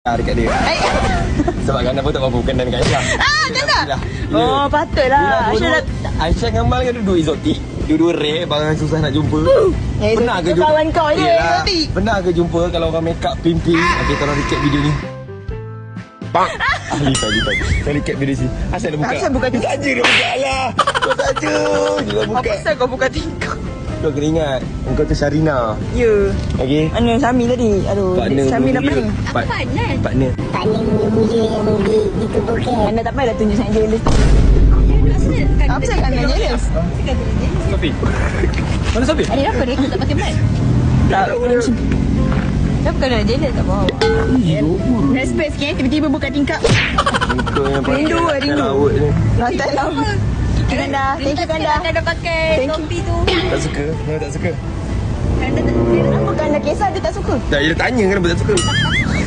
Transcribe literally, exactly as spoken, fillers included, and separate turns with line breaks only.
dekat dia.
Eh.
Sebab Ganda pun tak mampu berkenan dengan Aisyah.
Ah, macam tu?
Ya.
Oh, patutlah. Aisyah dah...
Aisyah dengan Mal kan duduk exotik. Dua-dua rare, barang susah nak jumpa.
Yang
Pernah ke jumpa?
kawan kau je,
Yelah.
exotik.
Pernah ke jumpa kalau orang make up pimpin? Okey, tolong recap video ni. Bang. Ah, lipat, lipat. Saya recap video sini. Asal dah buka?
Asal buka tingkap?
Saja dia buka lah. Kau saja. Dia dah buka.
Apa pasal kau buka tingkap?
Kau kena ingat. Engkau tu Syarina.
Ya.
Okey.
Mana Syami tadi? Aduh,
Partner
Syami dah
mulia.
pening.
Part-
Partner?
Partner.
Partner mulia yang di, ditubuhkan.
Mana tak payah dah tunjuk sangat jealous. Apa saya kan jealous?
Sofi. Mana Sofi?
Ada apa dia tak pakai mic?
Tak. Kenapa kena jealous tak faham?
Respect sikit, tiba-tiba buka tingkap.
Engkau yang pakai
Rindu,
rantai
rindu.
laut ni.
Rantai lama. Kanda, thank you Kanda.
Anda dah pakai
Thank you.
topi tu.
Tak suka? Kenapa tak suka?
Anda tak
Kenapa Kanda kisah dia tak suka?
Tak, dia tanya kenapa tak suka.